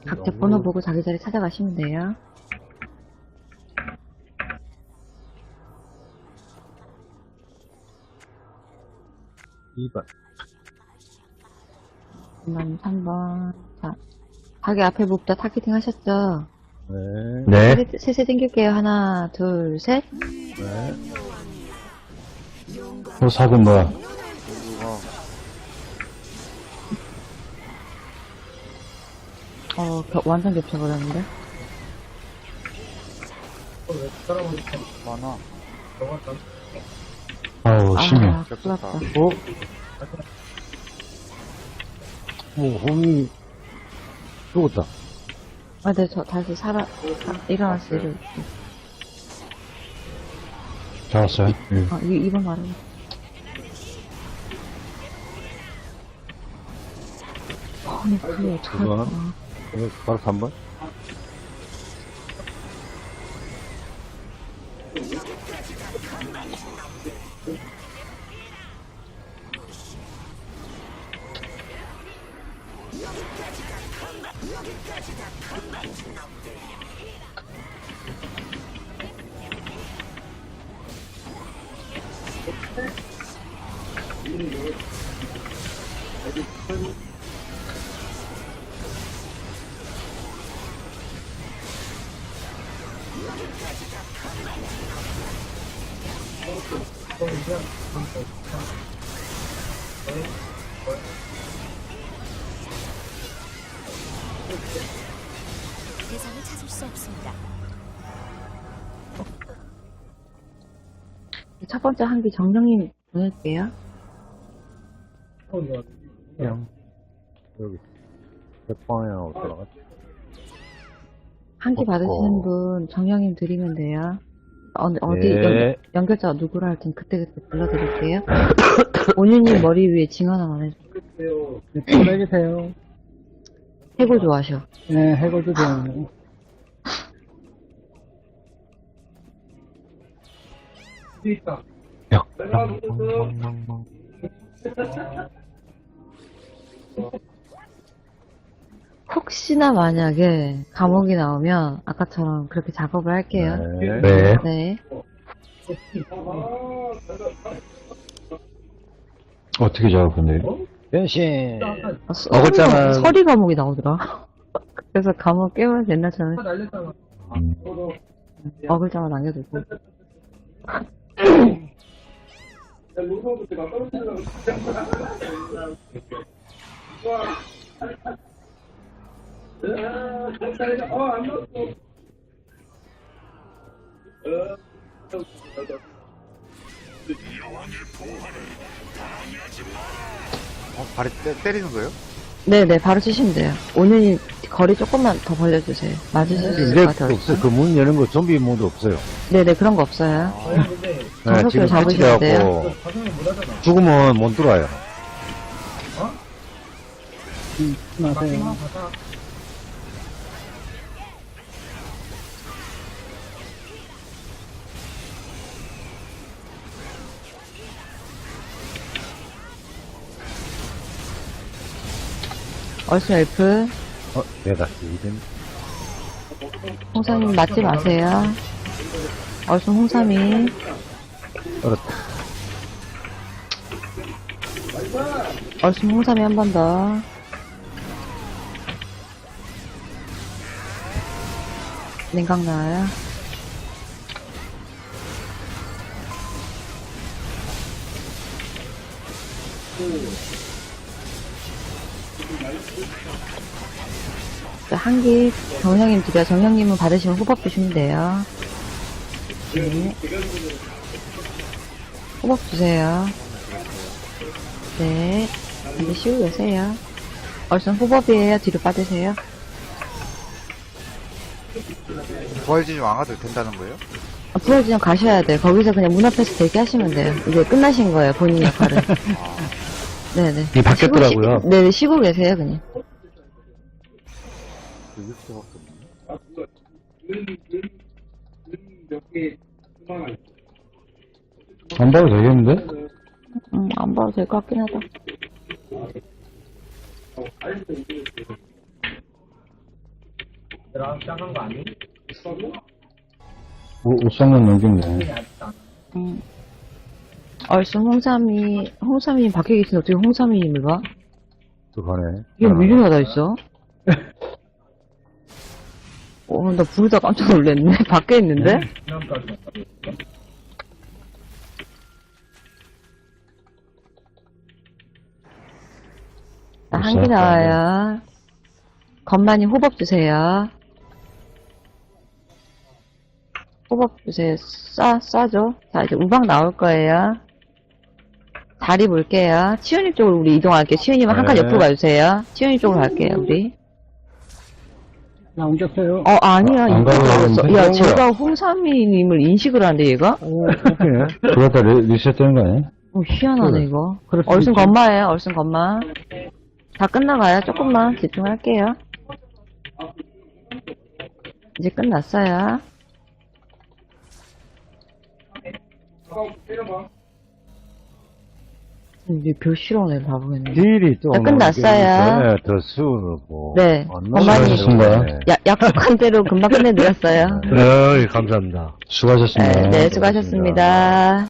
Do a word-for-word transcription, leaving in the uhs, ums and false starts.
각자 번호 보고 자기 자리 찾아가시면 돼요. 이 번. 이 번, 삼 번. 자, 가게 앞에 목다 타겟팅 하셨죠? 네. 네. 셋에 땡길게요. 하나, 둘, 셋. 네. 호삭은 뭐야? 어, 겨- 완전 겹쳐버렸는데? 많아. 아우, 심해. 아, 큰일 났다. 어? 뭐, 홈이 죽었다. 아, 네, 저 다시 살아, 아, 일어났어요. 일어. 잡았어요? 응. 아, 이, 이번 말은. 아니, 그게 두 번. 어떡할까. 네, 바로 삼 번. 대상을 찾을 수 없습니다. 첫 번째 한기 정정님 보낼게요. 그냥, 여기. 백방향으로 들어갔지. 한기 어, 받으시는 어. 분 정영님 드리면 돼요. 어, 어디 네. 연, 연결자가 누구라 할 땐 그때그때 불러드릴게요. 온유님 머리 위에 징 하나만 해주세요. 네, 보내주세요. 해골 좋아하셔. 네, 해골도 좋아요. 야. 혹시나 만약에 감옥이 나오면 아까처럼 그렇게 작업을 할게요. 네. 네. 네. 어떻게 잡았는데요? 변신! 아, 서- 어글자만- 서리 감옥이 나오더라. 그래서 감옥 깨면서 옛날처럼 음. 어글자만 남겨두고. 어, 발이 때, 때리는 거예요? 네네, 바로 치시면 돼요. 오늘이 거리 조금만 더 벌려주세요. 맞으실 수 있을 이제 것 같아요. 없어요. 그 문 여는 거 좀비 모드 없어요. 네네, 그런 거 없어요. 네, 정석대로 지금 잡으셔야 패치돼갖고 죽으면 못 들어와요. 음, 맞아요. 얼쑤 엘프, 어, 내가 이든 홍삼님 맞지 마세요. 얼쑤 홍삼이, 얼었다. 얼쑤 홍삼이 한 번 더. 냉각 나와요. 자, 한기 정형님 드려. 정형님은 받으시면 호박 주시면 돼요. 네. 호박 주세요. 네. 이제 쉬고 계세요. 얼른 호법이에요. 뒤로 빠지세요. 부활진이 왕아도 된다는 거예요? 아, 부활진영 가셔야 돼요. 거기서 그냥 문 앞에서 대기하시면 돼요. 이제 끝나신 거예요. 본인 역할은. 네네. 이게 바뀌었더라고요. 쉬고, 쉬, 네네. 쉬고 계세요. 그냥. 안 봐도 되겠는데? 음, 안 봐도 될 것 같긴 하다. 오, 옷장만 넘겼네. 음. 얼쑤 홍삼이, 홍삼이 밖에 계신데 어떻게 홍삼이님을 봐? 또 가네. 이게 미리가 다 있어? 어, 나 부르다 깜짝 놀랐네. 밖에 있는데? 한 개 나와요. 건만이 호법 주세요. 호법 주세요. 싸, 싸죠? 자, 이제 우방 나올 거예요. 다리 볼게요. 치윤님 쪽으로 우리 이동할게요. 치윤님은 한 칸 네. 옆으로 가주세요. 치윤님 쪽으로 갈게요, 우리. 나 옮겼어요. 어, 아니야. 안 이거 가도 나왔어. 되는데? 야, 그런 제가 홍삼이님을 인식을 하는데, 얘가? 오, 오케이. 그러다 리, 리셋 되는 거 아니야? 어, 희한하네, 이거. 그럴 수 얼순 있지. 건마예요, 얼순 건마. 다 끝나가요. 조금만 집중할게요. 이제 끝났어요. 이제 별 싫어하네, 바보겠네. 딜이 또. 네, 끝났어요. 네, 더 수고. 네, 많이 수고하셨습니다. 야, 약속한 대로 금방 끝내드렸어요. 네, 감사합니다. 수고하셨습니다. 네, 네, 수고하셨습니다.